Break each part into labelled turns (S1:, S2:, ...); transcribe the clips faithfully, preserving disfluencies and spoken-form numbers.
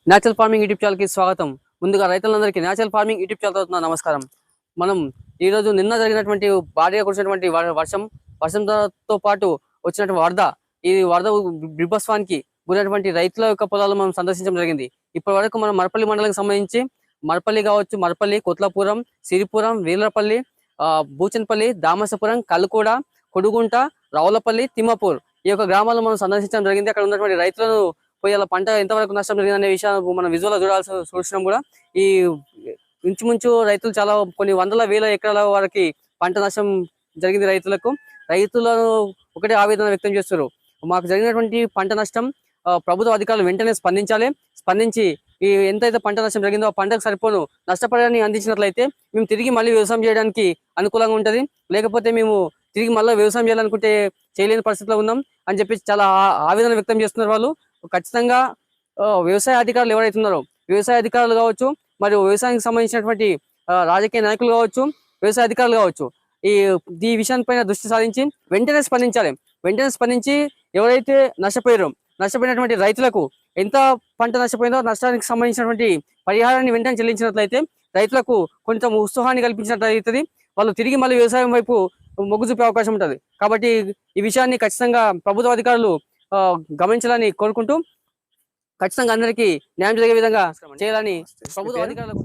S1: Natural farming YouTube channel కి స్వాగతం. ముందుగా రైతులందరికీ నేచురల్ ఫార్మింగ్ యూట్యూబ్ ఛానల్ తరపున నమస్కారం. మనం ఈ రోజు నిన్న జరిగినటువంటి భారీగా కురిసినటువంటి వర్షం వర్షంతో పాటు వచ్చినటువంటి వరద ఈ వరద బిభత్సానికి గురైనటువంటి రైతుల యొక్క పొలాలను మనం సందర్శించడం జరిగింది. ఇప్పటి వరకు మనం మరపల్లి మండలానికి సంబంధించి మరపల్లి కావచ్చు, మరపల్లి, కొత్లాపురం, సిరిపురం, వీర్లపల్లి, బూచన్పల్లి, దామసపురం, కల్కూడ, కొడుగుంట, రావులపల్లి, తిమ్మపూర్ ఈ యొక్క గ్రామాలను మనం సందర్శించడం జరిగింది. అక్కడ ఉన్నటువంటి రైతులను పోయి అలా పంట ఎంతవరకు నష్టం జరిగిందనే విషయాన్ని మనం విజువల్ చూడాల్సి చూసినాం కూడా. ఈ ఇంచుమించు రైతులు చాలా కొన్ని వందల వేల ఎకరాల వరకు పంట నష్టం జరిగింది. రైతులకు రైతులను ఒకటే ఆవేదన వ్యక్తం చేస్తారు. మాకు జరిగినటువంటి పంట నష్టం ప్రభుత్వ అధికారులు వెంటనే స్పందించాలి. స్పందించి ఈ ఎంతైతే పంట నష్టం జరిగిందో ఆ పంటకు సరిపోను నష్టపరిహారాన్ని అందించినట్లయితే మేము తిరిగి మళ్ళీ వ్యవసాయం చేయడానికి అనుకూలంగా ఉంటుంది. లేకపోతే మేము తిరిగి మళ్ళీ వ్యవసాయం చేయాలనుకుంటే చేయలేని పరిస్థితిలో ఉన్నాం అని చెప్పి చాలా ఆవేదన వ్యక్తం చేస్తున్నారు వాళ్ళు. ఖచ్చితంగా వ్యవసాయ అధికారులు ఎవరైతే ఉన్నారో వ్యవసాయ అధికారులు కావచ్చు, మరియు వ్యవసాయానికి సంబంధించినటువంటి రాజకీయ నాయకులు కావచ్చు, వ్యవసాయ అధికారులు కావచ్చు, ఈ ఈ విషయాన్ని దృష్టి సారించి వెంటనే స్పందించాలి. వెంటనే స్పందించి ఎవరైతే నష్టపోయారో నష్టపోయినటువంటి రైతులకు ఎంత పంట నష్టపోయిందో నష్టానికి సంబంధించినటువంటి పరిహారాన్ని వెంటనే చెల్లించినట్లయితే రైతులకు కొంచెం ఉత్సాహాన్ని కల్పించినట్లు అవుతుంది. వాళ్ళు తిరిగి మళ్ళీ వ్యవసాయం వైపు మొగ్గు చూపే అవకాశం ఉంటుంది. కాబట్టి ఈ విషయాన్ని ఖచ్చితంగా ప్రభుత్వ అధికారులు గమనించాలని కోరుకుంటూ ఖచ్చితంగా అందరికీ న్యాయం జరిగే విధంగా చేయాలని ప్రభుత్వ అధికారులకు.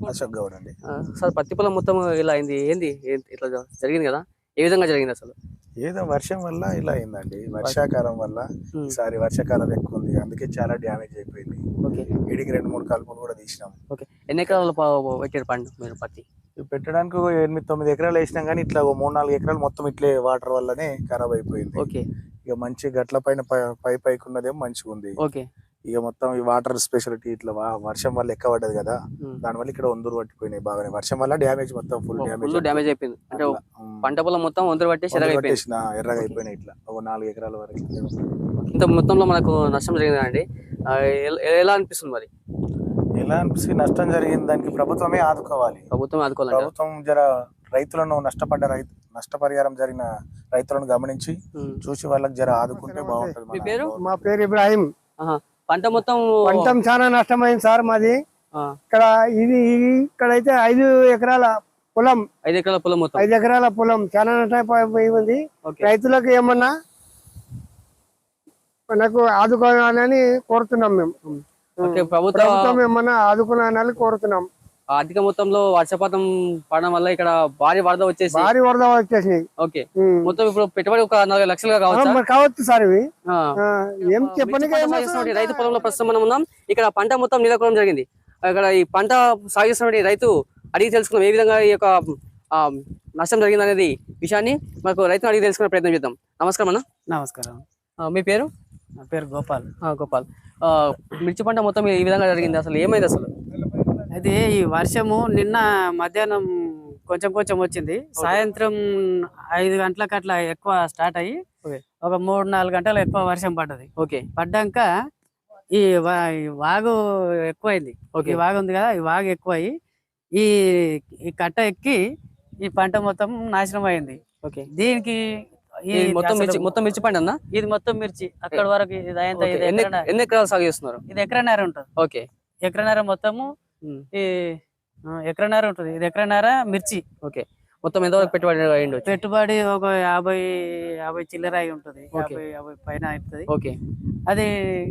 S1: సార్, పత్తి పొలం మొత్తం ఇలా అయింది, ఏంది ఇట్లా జరిగింది కదా, ఏ విధంగా జరిగింది అసలు?
S2: ఏదో వర్షం వల్ల ఇలా అయిందండి. వర్షాకాలం వల్ల ఈసారి వర్షాకాలం ఎక్కువ ఉంది, అందుకే చాలా డ్యామేజ్ అయిపోయింది.
S1: ఓకే,
S2: ఇడికి రెండు మూడు కలుపులు కూడా తీసినాం.
S1: ఓకే, ఎన్ని ఎకరాలు పెట్టారు పండు మీరు పత్తి?
S2: పెట్టడానికి ఎనిమిది తొమ్మిది ఎకరాలు వేసినాం, కానీ ఇట్లా మూడు నాలుగు ఎకరాలు మొత్తం ఇట్లే వాటర్ వల్లనే ఖరాబ్ అయిపోయింది.
S1: ఓకే,
S2: ఇక మంచి గట్ల పైన పై పైకి ఉన్నదేమో మంచిగా ఉంది.
S1: ఓకే,
S2: ఇక మొత్తం ఈ వాటర్ స్పెషాలిటీ ఇట్లా వర్షం వల్ల ఎక్కువ పడ్డది కదా, దాని వల్ల ఇక్కడ వందరు పట్టిపోయినాయి బాగానే. వర్షం వల్ల డ్యామేజ్ మొత్తం ఫుల్ డ్యామేజ్
S1: డ్యామేజ్ అయిపోయింది. అంటే పంట పొలం మొత్తం వందరు పట్టేసి
S2: ఎర్రగా అయిపోయినాయి. ఇట్లా ఒక నాలుగు ఎకరాల వరకు
S1: ఇంత మొత్తంలో మనకు నష్టం జరిగిందా అండి? ఎలా అనిపిస్తుంది మరి?
S2: ఎలా అనిపిస్తుంది? నష్టం జరిగింది దానికి ప్రభుత్వమే ఆదుకోవాలి.
S1: ప్రభుత్వం ఆదుకోవాలి.
S2: ప్రభుత్వం జర రైతులను నష్టపడ్డ రైతు నష్టపరిహారం జరిగిన రైతులను గమనించి చూసి వాళ్ళకి జర ఆదుకుంటే బాగుంటుంది.
S1: మీ పేరు?
S3: మా పేరు ఇబ్రాహిం.
S1: పంట మొత్తం
S3: పంట చాలా నష్టమైంది సార్ మాది. ఇక్కడ ఇది ఇక్కడైతే ఐదు ఎకరాల పొలం
S1: ఐదు ఎకరాల పొలం మొత్తం
S3: ఐదు ఎకరాల పొలం చాలా నష్టపోయి ఉంది. రైతులకు ఏమన్నా మనకు ఆదుకోవాలని కోరుతున్నాం మేము. ప్రభుత్వం ఏమన్నా ఆదుకోవాలని కోరుతున్నాం.
S1: అధిక మొత్తంలో వర్షపాతం పడడం వల్ల ఇక్కడ భారీ వరద వచ్చేసి
S3: భారీ వరద వచ్చేసి
S1: ఓకే, మొత్తం ఇప్పుడు పెట్టుబడి ఒక నలభై లక్షలుగా కావచ్చు
S3: కావచ్చు సార్. ఇవి ఏం చెప్పండి,
S1: రైతు పొలంలో ప్రస్తుతం మనం ఉన్నాం. ఇక్కడ పంట మొత్తం నీలకూలం జరిగింది. ఇక్కడ ఈ పంట సాగు చేస్తున్న రైతు అడిగి తెలుసుకున్నాం ఏ విధంగా ఈ యొక్క నష్టం జరిగింది అనేది విషయాన్ని మనకు రైతును అడిగి తెలుసుకునే ప్రయత్నం చేద్దాం. నమస్కారం అన్న.
S3: నమస్కారం.
S1: మీ పేరు?
S3: నా పేరు గోపాల్.
S1: గోపాల్, మిర్చి పంట మొత్తం ఈ విధంగా జరిగింది, అసలు ఏమైంది అసలు?
S4: అయితే ఈ వర్షము నిన్న మధ్యాహ్నం కొంచెం కొంచెం వచ్చింది. సాయంత్రం ఐదు గంటలకు అట్లా ఎక్కువ స్టార్ట్ అయ్యి ఒక మూడు నాలుగు గంటలు ఎక్కువ వర్షం పడ్డది.
S1: ఓకే,
S4: పడ్డాక ఈ వాగు ఎక్కువైంది. ఈ వాగు ఉంది కదా, ఈ వాగు ఎక్కువ అయ్యి ఈ ఈ కట్ట ఎక్కి ఈ పంట మొత్తం నాశనం అయింది.
S1: ఓకే,
S4: దీనికి
S1: మొత్తం మిర్చి మొత్తం మిర్చి పంట అన్న?
S4: ఇది మొత్తం మిర్చి అక్కడ వరకు ఇది
S1: ఎన్ని ఎకరాలు సాగు చేస్తున్నారు?
S4: ఇది ఎకరన్నర ఉంటుంది.
S1: ఓకే,
S4: ఎకరన్నర మొత్తము ఈ ఎకరన్నర ఉంటుంది. ఇది ఎకరన్నర మిర్చి.
S1: ఓకే, మొత్తం ఎంతవరకు పెట్టుబడి అయ్యింది?
S4: పెట్టుబడి ఒక యాభై యాభై చిల్లర అయి ఉంటుంది, యాభై యాభై పైన అవుతుంది.
S1: ఓకే,
S4: అది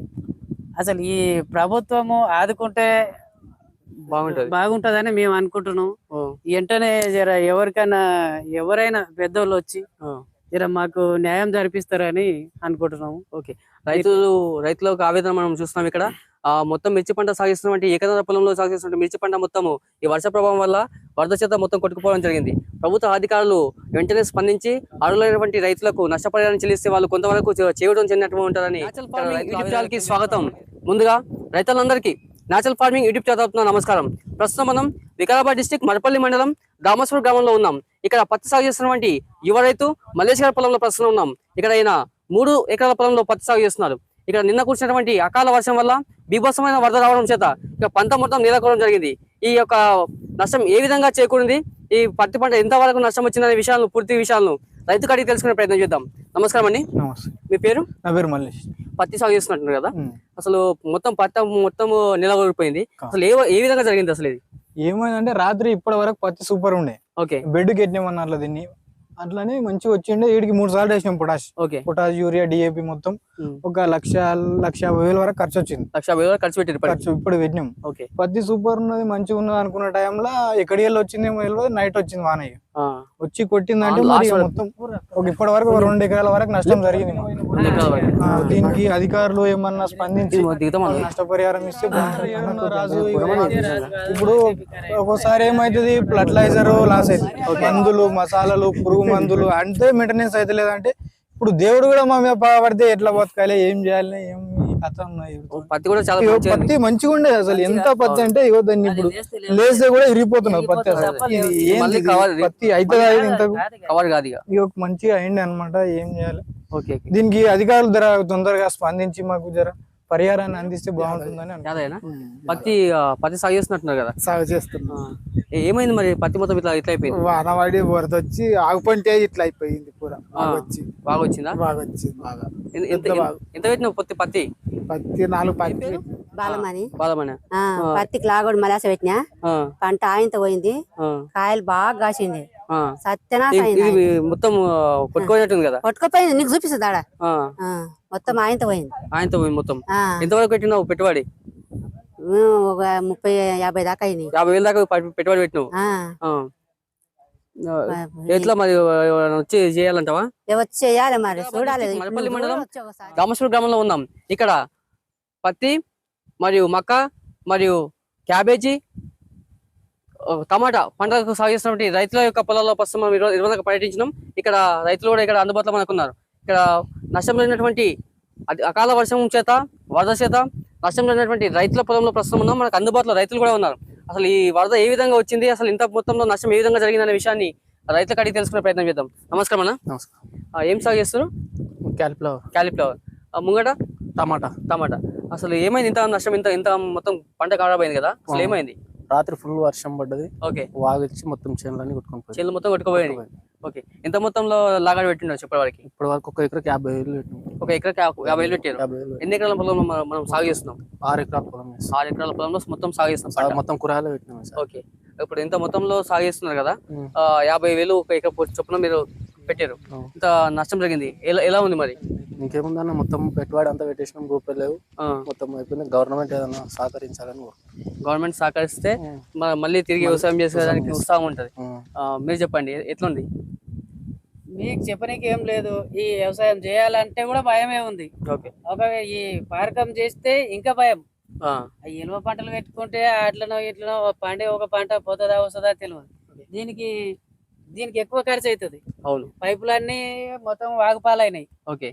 S4: అసలు ఈ ప్రభుత్వము ఆదుకుంటే
S1: బాగుంటది
S4: బాగుంటదని మేము అనుకుంటున్నాం. వెంటనే జర ఎవరికైనా ఎవరైనా పెద్దోళ్ళు వచ్చి జర మాకు న్యాయం జరిపిస్తారని అనుకుంటున్నాము.
S1: ఓకే, రైతులు రైతులకు ఆవేదన మనం చూస్తున్నాం. ఇక్కడ ఆ మొత్తం మిర్చి పంట సాగిస్తున్నటువంటి ఏకదార పొలంలో సాగిస్తున్న మిర్చి పంట మొత్తము ఈ వర్ష ప్రభావం వల్ల వరద చేత మొత్తం కొట్టుకుపోవడం జరిగింది. ప్రభుత్వ అధికారులు వెంటనే స్పందించి అర్హులైనటువంటి రైతులకు నష్టపరిహారం చెల్లిస్తే వాళ్ళు కొంతవరకు చేయడం చెందినట్టు ఉంటారని. స్వాగతం. ముందుగా రైతులందరికీ నేచురల్ ఫార్మింగ్ యూట్యూబ్ ఛానల్ నమస్కారం. ప్రస్తుతం మనం వికారాబాద్ డిస్టిక్ మరపల్లి మండలం దామసపూర్ గ్రామంలో ఉన్నాం. ఇక్కడ పత్తి సాగు చేస్తున్నటువంటి యువ రైతు మల్లేష్ గారి పొలంలో ప్రస్తుతం ఉన్నాం. ఇక్కడ ఆయన మూడు ఎకరాల పొలంలో పత్తి సాగు చేస్తున్నారు. ఇక్కడ నిన్న కూర్చున్నటువంటి అకాల వర్షం వల్ల బీభత్సమైన వరద రావడం చేత ఇక పంట మొత్తం నీలకోవడం జరిగింది. ఈ యొక్క నష్టం ఏ విధంగా చేకూరింది, ఈ పత్తి పంట ఎంతవరకు నష్టం వచ్చిందనే విషయాలను పూర్తి విషయాలను రైతు కడిగి తెలుసుకునే ప్రయత్నం చేద్దాం. నమస్కారం అండి.
S3: నమస్తే.
S1: మీ పేరు?
S3: నా పేరు మల్లేష్.
S1: పత్తి సాగు చేస్తున్నట్టు కదా, అసలు మొత్తం పత్తి మొత్తం నిలబడిపోయింది. అసలు ఏ ఏ విధంగా జరిగింది అసలు ఇది?
S5: ఏమైందంటే రాత్రి ఇప్పటి వరకు పత్తి సూపర్ ఉండే,
S1: ఓకే
S5: బెడ్ కెట్టినామన్న అట్లా దీన్ని అట్లనే మంచిగా వచ్చిండే. వీడికి మూడు సార్లు వేసినాం potash,
S1: okay
S5: potash urea DAP మొత్తం ఒక లక్ష లక్ష యాభై వేల వరకు ఖర్చు వచ్చింది.
S1: లక్ష యాభై వేలు ఖర్చు పెట్టారు
S5: ఖర్చు ఇప్పుడు పెట్టినాం.
S1: ఓకే
S5: పత్తి సూపర్ ఉన్నది మంచిగా ఉన్నది అనుకున్న టైంలో ఎక్కడి వెళ్ళి వచ్చిందేమో తెలియదు, నైట్ వచ్చింది వానయ్య వచ్చి కొట్టిందంటే మరి మొత్తం ఒక ఇప్పటి వరకు ఒక రెండు ఎకరాల వరకు నష్టం జరిగింది. ఆ, దీనికి అధికారులు ఏమన్నా స్పందించి నష్టపరిహారం ఇస్తే బాగుంటుంది. రాజు ఇప్పుడు ఒక్కోసారి ఏమైతుంది, ఫర్టిలైజర్ లాస్ అవుతుంది, మందులు మసాలాలు పురుగు మందులు అంటే మెయింటెనెన్స్ అయితే లేదంటే ఇప్పుడు దేవుడు కూడా మా మీద పడితే ఎట్లా బతకాలి, ఏం చేయాలి, ఏం కథ ఉన్నాయి.
S1: పత్తి కూడా చాలా
S5: ఇగో పత్తి మంచిగా ఉండేది అసలు, ఎంత పత్తి అంటే ఇగో దాన్ని ఇప్పుడు లేస్తే కూడా ఇరిగిపోతున్నది పత్తి. అసలు ఇది ఏంది పత్తి అయితే ఇంత
S1: కవర్ కాదు ఇక.
S5: ఇగో మంచిగా అయింది అనమాట. ఏం చేయాలి,
S1: ఓకే
S5: దీనికి అధికారులు ధర తొందరగా స్పందించి మాకు జర పరిహారాన్ని అందిస్తే బాగుంటుందని
S1: అదేనా? పత్తి ఆ, పత్తి సాగు చేస్తున్నట్టున్నారు కదా,
S3: సాగు చేస్తున్నా.
S1: ఏ- ఏమైంది మరి పత్తి మొత్తం ఇట్లా ఇట్లా అయిపోయింది?
S3: వానవాడి వరద వచ్చి ఆగుపంటే ఇట్లా అయిపోయింది పూర.
S1: ఆ,
S3: వచ్చి
S1: బాగా వచ్చిందా?
S3: బాగా వచ్చింది బాగా.
S1: ఎంత- ఎంత ఎంత పెట్టినావు పత్తి పత్తి
S3: పత్తి నాలుగు పత్తి
S6: బాలమని
S1: బాధమనే
S6: ఆ, పత్తికి లాగోడు మలాస పెట్టినా పంట ఆయంత పోయింది, కాయలు బాగా కాసింది, సత్యనాశ
S1: ఇది
S6: అయింది.
S1: మొత్తం కొట్టుకోనట్టుంది కదా.
S6: కొట్టుకుపోయింది, నీకు చూపిస్తుంది ఆడ.
S1: ఆ,
S6: ఆ, మొత్తం ఆయంత పోయింది.
S1: ఆయనతో పోయి మొత్తం
S6: ఆ,
S1: ఎంతవరకు పెట్టినావు పెట్టుబడి?
S6: ఉమ్, ఒక ముప్పై యాభై దాకా అయింది.
S1: యాభై వేల దాకా పె- పెట్టుబడి పెట్టినావు.
S6: ఆ,
S1: ఆ. ఎట్లా మరి ఎవరైనా వచ్చి చేయాలంటావా?
S6: ఏ వచ్చి చేయాలి మరి, చూడాలి.
S1: మరపల్లి మండలం
S6: వచ్చి ఒకసారి.
S1: రామేశ్వరం గ్రామంలో ఉన్నాం. ఇక్కడ పత్తి మరియు మక్క మరియు క్యాబేజీ ఆ, టమాటా పంటలకు సాగు చేస్తున్నటువంటి రైతుల యొక్క పొలాల్లో ప్రస్తుతం మనం ఈరోజు ఈరోజు పర్యటించినాం. ఇక్కడ రైతులు కూడా ఇక్కడ అందుబాటులో మనకు ఉన్నారు. ఇక్కడ నష్టం జరిగినటువంటి అతి- అకాల వర్షం చేత వరద చేత నష్టం జరిగినటువంటి రైతుల పొలంలో ప్రస్తుతం ఉన్నాం. మనకు అందుబాటులో రైతులు కూడా ఉన్నారు. అసలు ఈ వరద ఏ విధంగా వచ్చింది, అసలు ఇంత మొత్తంలో నష్టం ఏ విధంగా జరిగిందనే విషయాన్ని రైతులకు అడిగి తెలుసుకునే ప్రయత్నం చేద్దాం. నమస్కారం అన్న.
S7: నమస్కారం.
S1: ఆ, ఏం సాగు చేస్తారు?
S7: Cauliflower,
S1: cauliflower. ఆ, ముంగట
S7: టమాటా.
S1: టమాటా. అసలు ఏమైంది ఇంత నష్టం, ఇంత ఇంత మొత్తం పంట ఖరాబ్ అయింది కదా, అసలు ఏమైంది?
S7: రాత్రి ఫుల్ వర్షం పడ్డది,
S1: ఓకే
S7: వాగొచ్చి మొత్తం చేనులన్నీ కొట్టుకొని పోయింది.
S1: చెల్లు మొత్తం కొట్టుకుపోయాయి. ఓకే ఎంత మొత్తంలో లాగాడు పెట్టిండో చెప్పే వారికి?
S7: ఇప్పటి వరకు ఒక ఎకరాకి యాభై వేలు పెట్టినాం.
S1: ఒక ఎకరాకి యా- యాభై వేలు పెట్టారు.
S7: యాభై వేలు
S1: ఎన్ని ఎకరాల పొలంలో మనం- మనం సాగు చేస్తున్నాం?
S7: ఆరు ఎకరాల పొలం వేస్తాం.
S1: ఆరు ఎకరాల పొలంలో మొత్తం సాగు చేస్తున్నాం
S7: సాగు
S1: పంట.
S7: మొత్తం కూరగాయలు పెట్టినాం సార్.
S1: ఓకే ఇప్పుడు ఇంత మొత్తంలో సాగు చేస్తున్నారు కదా,
S7: ఉం.
S1: ఆ, యాభై వేలు ఒక ఎకర పొ- చొప్పున మీరు పెట్టారు.
S7: అవును.
S1: ఇంత నష్టం జరిగింది, ఎలా ఎలా ఉంది మరి?
S7: ఇంకేముందన్న మొత్తం పెట్టుబడి అంతా పెట్టేసినాం, రూపాయలు
S1: ఆ,
S7: మొత్తం అయిపోయింది. గవర్నమెంట్ ఏదైనా సహకరించాలని కోరుకుంటున్నాం.
S1: గవర్నమెంట్ సహకరిస్తే
S7: ఉం.
S1: మ- మళ్ళీ తిరిగి వ్యవసాయం చేసేదానికి
S7: వ్యవసాయం
S1: ఉత్సాహం ఉంటది.
S7: ఉం.
S1: ఆ, మీరు చెప్పండి ఎట్లుంది?
S4: మీకు చెప్పనీకి ఏం లేదు, ఈ వ్యవసాయం చేయాలంటే కూడా భయమే ఉంది.
S1: ఓకే
S4: ఒక ఈ పారకం చేస్తే ఇంకా భయం.
S1: ఆ,
S4: ఆ ఎలువ పంటలు పెట్టుకుంటే అట్లనో ఇట్లనో పండే ఒక పంట పోతుందా వస్తుందా తెలియదు. దీనికి దీనికి ఎక్కువ ఖర్చు అవుతుంది.
S1: అవును
S4: పైపులన్నీ మొత్తం వాగుపాలైనాయి.
S1: ఓకే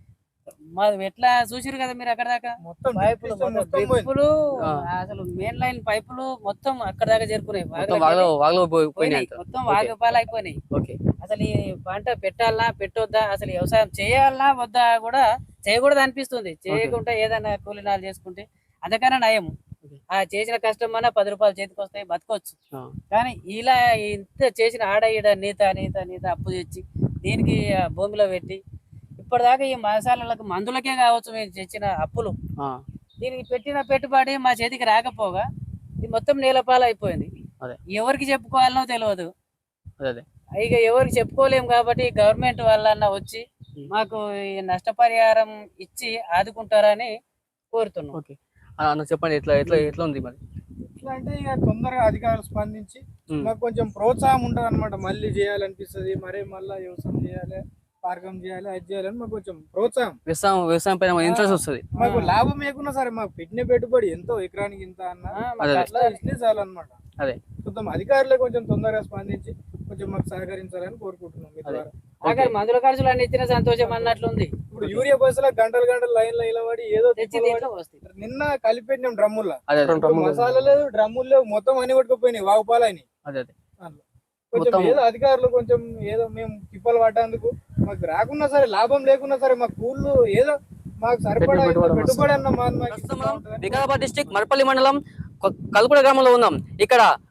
S4: మాది ఎట్లా చూసిరు కదా మీరు అక్కడ దాకా,
S5: మొత్తం
S4: పైపులు
S5: మొత్తం
S4: మొత్తం
S5: పోయింది.
S4: డ్రిప్పులు,
S1: ఆ.
S4: అసలు మెయిన్ లైన్ పైపులు మొత్తం అక్కడ దాకా చేరుకున్నాయి.
S1: మొత్తం వాగలో వాగలో పోయి- పోయినాయి
S4: పోయినాయి,
S1: అంటారు.
S4: మొత్తం
S1: ఓకే.
S4: వాగుపాలు అయిపోయినాయి.
S1: ఓకే
S4: అసలు ఈ పంట పెట్టాలనా పెట్టొద్దా, అసలు వ్యవసాయం చేయాలనా వద్దా కూడా చేయకూడదు అనిపిస్తుంది. చేయకుండా ఏదైనా కూలినాలు చేసుకుంటే అంతకన్నా నయం. ఆ చేసిన కష్టం అన్నా పది రూపాయలు చేతికి వస్తాయి, బతకొచ్చు.
S1: ఆ.
S4: కానీ ఇలా ఇంత చేసిన ఆడ ఈడ నీత నీత నీత అప్పు తెచ్చి దీనికి ఆ భూమిలో పెట్టి ఇప్పటిదాకా ఈ మసాలాలకు మందులకే కావచ్చు మేము తెచ్చిన అప్పులు,
S1: ఆ,
S4: దీనికి పెట్టిన పెట్టుబడి మా చేతికి రాకపోగా ఇది మొత్తం నేలపాలు అయిపోయింది.
S1: అదే.
S4: ఎవరికి చెప్పుకోవాలనో తెలియదు.
S1: అదే అదే
S4: ఇక ఎవరికి చెప్పుకోలేము కాబట్టి గవర్నమెంట్ వాళ్ళన్నా వచ్చి మాకు ఈ నష్టపరిహారం ఇచ్చి ఆదుకుంటారని కోరుతున్నాం.
S1: ఓకే ఆ, అన్న చెప్పండి ఎట్లా ఎట్లా ఎట్లా ఉంది మరి?
S5: ఎట్లా అంటే ఇక తొందరగా అధికారులు స్పందించి
S1: ఉం.
S5: మాకు కొంచెం ప్రోత్సాహం ఉంటది అనమాట. మళ్ళీ చేయాలనిపిస్తుంది, మరే మళ్ళీ వ్యవసాయం చేయాలి, పార్కం చేయాలి, అది చేయాలని మాకు కొంచెం ప్రోత్సాహం.
S1: వ్యవసాయం వ్యవసాయం పైన ఇంట్రెస్ట్ వస్తుంది.
S5: మాకు లాభం ఏకున్నా సరే మాకు పెట్టిన పెట్టుబడి ఎంతో ఎకరానికి ఇంత అన్న
S4: ఆ,
S5: మాకు
S1: అదే.
S5: అట్లా ఇస్తే చాలు అనమాట.
S1: అదే.
S5: మొత్తం అధికారులే కొంచెం తొందరగా స్పందించి కొంచెం మాకు సహకరించాలని కోరుకుంటున్నాం మీ ద్వారా.
S4: ఆఖరి మందుల ఖర్చులు అన్ని ఇచ్చిన సంతోషం అన్నట్లుంది.
S5: ఇప్పుడు యూరియా బస్సులో గంటలు గంటలు లైన్ లో నిలబడి ఏదో
S4: తెచ్చి
S5: తిప్పలు
S4: దీంట్లో
S5: పడి
S4: వస్తాయి.
S5: నిన్న కలిపెట్టినాం డ్రమ్ముల్లో.
S1: అదే అదే
S5: ఇప్పుడు మసాలా లేదు, డ్రమ్ములు లేవు, మొత్తం అన్ని కొట్టుకుపోయినాయి, వాగుపాలని.
S1: అదే అదే
S5: కొంచెం
S1: మొత్తం-
S5: ఏదో అధికారులు కొంచెం ఏదో మేము తిప్పలు పట్టేందుకు మాకు రాకున్నా సరే, లాభం లేకున్నా సరే, మాకు కూళ్ళు ఏదో మాకు సరిపడా
S7: పెట్టుబడి
S5: పెట్టుబడి అన్న మాకు మాకు
S1: ప్రస్తుతం
S5: ఇస్తా
S1: మనం
S5: ఉంటుందని.
S1: వికారాబాద్ డిస్ట్రిక్ట్ మరపల్లి మండలం కొ- కల్కుడ గ్రామంలో ఉన్నాం. ఇక్కడ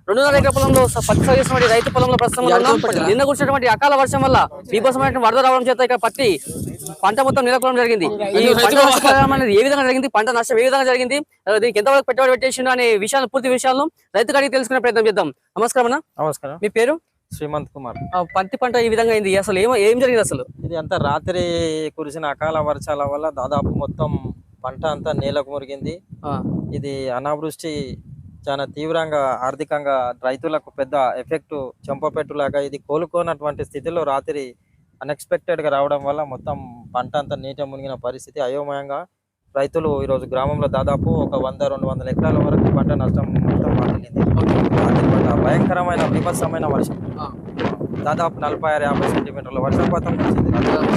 S1: రెండున్నర ఎకర పొలంలో స- పత్తి సాగు చేసినటువంటి రైతు పొలంలో ప్రస్తుతం మనం ఉన్నాం. నిన్న కురిసినటువంటి అకాల వర్షం వల్ల బీభత్సమైనటువంటి వరద రావడం చేత ఇక్కడ పత్తి పంట మొత్తం నిలకడం జరిగింది. ఈ పంట నష్టపరిహారం అనేది ఏ విధంగా జరిగింది, పంట నష్టం ఏ విధంగా జరిగింది, ఆ, దీనికి ఎంతవరకు పెట్టుబడి పెట్టేసిండు అనే విషయాలు పూర్తి విషయాలను రైతు అడిగి తెలుసుకునే ప్రయత్నం చేద్దాం. నమస్కారం అన్న,
S8: నమస్కారం.
S1: మీ పేరు?
S8: శ్రీమంత్ కుమార్.
S1: ఆ, పత్తి పంట ఈ విధంగా అయింది, అసలు ఏం ఏం జరిగింది అసలు?
S8: ఇది అంతా రాత్రి కురిసిన అకాల వర్షాల వల్ల దాదాపు మొత్తం పంట అంతా నేలకు మురిగింది.
S1: ఆ,
S8: ఇది అనావృష్టి చాలా తీవ్రంగా ఆర్థికంగా రైతులకు పెద్ద ఎఫెక్ట్ చెంపపెట్టులాగా ఇది కోలుకోనటువంటి స్థితిలో రాత్రి అన్ఎక్స్పెక్టెడ్ గా రావడం వల్ల మొత్తం పంట అంతా నీట మునిగిన పరిస్థితి. అయోమయంగా రైతులు ఈరోజు గ్రామంలో దాదాపు ఒక వంద రెండు వందల ఎకరాల వరకు పంట నష్టం మొత్తం వాటిల్లింది. రాత్రి పంట భయంకరమైన బీభత్సమైన వర్షం,
S1: ఆ.
S8: దాదాపు నలభై ఆరు యాభై సెంటీమీటర్ల వర్షపాతం వచ్చింది.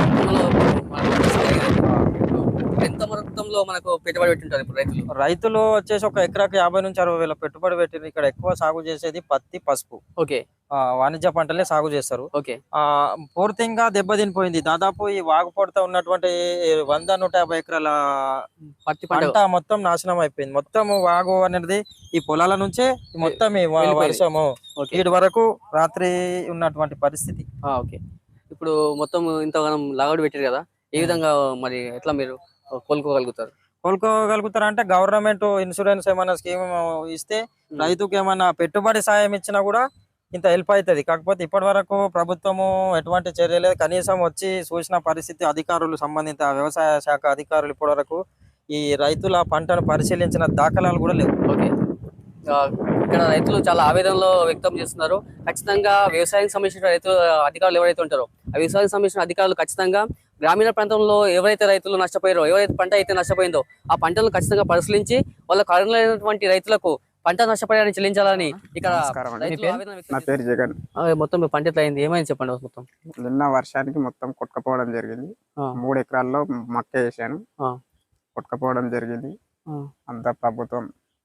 S1: ఎంత మొత్తంలో మనకు పెట్టుబడి పెట్టింటారు ఇప్పుడు రైతులు?
S8: రైతులు వచ్చేసి ఒక ఎకరాకి యాభై నుంచి అరవై వేల పెట్టుబడి పెట్టింది. ఇక్కడ ఎక్కువ సాగు చేసేది పత్తి, పసుపు,
S1: ఓకే
S8: ఆ, వాణిజ్య పంటలే సాగు చేస్తారు.
S1: ఓకే
S8: ఆ పూర్తిగా దెబ్బతినిపోయింది. దాదాపు ఈ వాగుపొడత ఉన్నటువంటి వంద నూట యాభై ఎకరాల
S1: పత్తి పంట
S8: పంట మొత్తం నాశనం అయిపోయింది. మొత్తం వాగు అనేది ఈ పొలాల నుంచే మొత్తం ఈ వ-
S1: వెళ్ళిపోయింది.
S8: వర్షము
S1: ఓకే
S8: వీటి వరకు రాత్రి ఉన్నటువంటి పరిస్థితి.
S1: ఆ, ఓకే ఇప్పుడు మొత్తం ఇంతగానం లాగౌట్ పెట్టారు కదా, ఏ విధంగా మరి ఎట్లా మీరు కోలుకోగలుగుతారు?
S8: కోలుకోగలుగుతారా అంటే గవర్నమెంట్ ఇన్సూరెన్స్ ఏమైనా స్కీమ్ ఇస్తే రైతుకి ఏమైనా పెట్టుబడి సాయం ఇచ్చినా కూడా ఇంత హెల్ప్ అవుతుంది. కాకపోతే ఇప్పటి వరకు ప్రభుత్వము ఎటువంటి చర్య లేదు. కనీసం వచ్చి చూసిన పరిస్థితి అధికారులు, సంబంధిత వ్యవసాయ శాఖ అధికారులు ఇప్పటి వరకు ఈ రైతుల పంటను పరిశీలించిన దాఖలాలు కూడా లేవు.
S1: ఓకే ఆ, ఇక్కడ రైతులు చాలా ఆవేదనలో వ్యక్తం చేస్తున్నారు. ఖచ్చితంగా వ్యవసాయానికి సంబంధించిన రైతు అధికారులు ఎవరైతే ఉంటారో ఆ వ్యవసాయానికి సంబంధించిన అధికారులు ఖచ్చితంగా గ్రామీణ ప్రాంతంలో ఎవరైతే రైతులు నష్టపోయారో, ఎవరైతే పంట అయితే నష్టపోయిందో ఆ పంటలను ఖచ్చితంగా పరిశీలించి వాళ్ళకు అర్హులైనటువంటి రైతులకు పంట నష్టపరిహారం చెల్లించాలని ఇక్కడ
S9: నమస్కారం అండి.
S1: రైతులు
S9: మీ పేరు?
S1: ఆవేదన వ్యక్తం
S9: నా పేరు జగన్.
S1: చేస్తున్నారు. ఆ, మొత్తం మీ పంట ఎట్లా అయింది, ఏమైంది చెప్పండి మొత్తం.
S9: నిన్న వర్షానికి మొత్తం కొట్టుకపోవడం జరిగింది.
S1: ఆ.
S9: మూడు ఎకరాల్లో మక్క వేసాను,
S1: ఆ.
S9: కొట్టుకపోవడం జరిగింది.
S1: ఆ.
S9: అంతా ప్రభుత్వం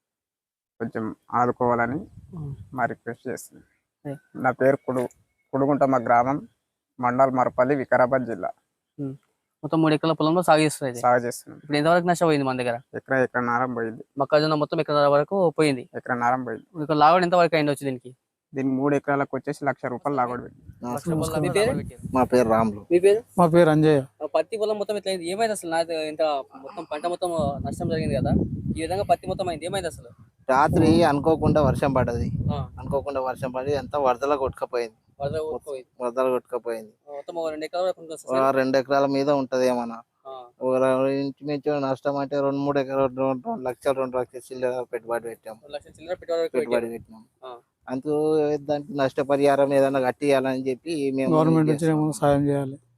S9: కొంచెం ఆదుకోవాలని
S1: ఆ.
S9: మా రిక్వెస్ట్ చేస్తుంది.
S1: ఏ.
S9: నా పేరు కుడు కుడుగుంటమ్మ గ్రామం, మండల్ మరపల్లి, వికారాబాద్ జిల్లా.
S1: మొత్తం మూడు ఎకరాల పొలంలో సాగు చేస్తారు అయితే.
S9: సాగు చేస్తున్నాం.
S1: ఇప్పుడు ఎంతవరకు నష్టపోయింది మన దగ్గర?
S9: ఎకరా ఎకర నారం పోయింది.
S1: మొక్కజొన్న మొత్తం ఎకరాల వరకు పోయింది.
S9: ఎకర నారం పోయింది.
S1: ఇక్కడ లాగడం ఎంత వరకు అయింది వచ్చి దీనికి?
S9: దీనికి మూడు ఎకరాలకు వచ్చేసి లక్ష రూపాయలు లాగొడు పెట్టి.
S1: మీ పేరు?
S7: మా పేరు రాములు.
S1: మీ పేరు?
S5: మా పేరు అంజయ్య.
S1: ఆ పత్తి పొలం మొత్తం ఎట్లా అయింది, ఏమైంది అసలు? నాకు ఇంత మొత్తం పంట మొత్తం నష్టం జరిగింది కదా, ఈ విధంగా పత్తి మొత్తం అయింది, ఏమైంది అసలు?
S7: రాత్రి అనుకోకుండా వర్షం పడ్డది.
S1: ఆ.
S7: అనుకోకుండా వర్షం పడి అంతా వరదల కొట్టుకపోయింది.
S1: వరద ఊరుకుపోయింది.
S7: వరదలు కొట్టుకపోయింది.
S1: మొత్తం ఒక రెండు ఎకరాల వరకు ఉంటుంది
S7: ఒక
S1: అసలు.
S7: రెండు ఎకరాల మీద ఉంటది ఏమన్నా.
S1: ఆ.
S7: ఒక ఇంచుమించు నష్టం అంటే రెండు మూడు ఎకరాలు రెండు రెండు లక్షలు రెండు లక్షల చిల్లర పెట్టుబడి పెట్టాం.
S1: రెండు లక్షల చిల్లర పెట్టుబడి వరకు
S7: పెట్టుబడి
S1: పెట్టారు.
S7: పెట్టినాం.
S1: ఆ.
S7: అందుకు దానికి నష్టపరిహారం ఏదైనా కట్టియాలని చెప్పి మేము
S5: గవర్నమెంట్
S7: చేస్తున్నాం.
S5: నుంచి సాయం చేయాలి.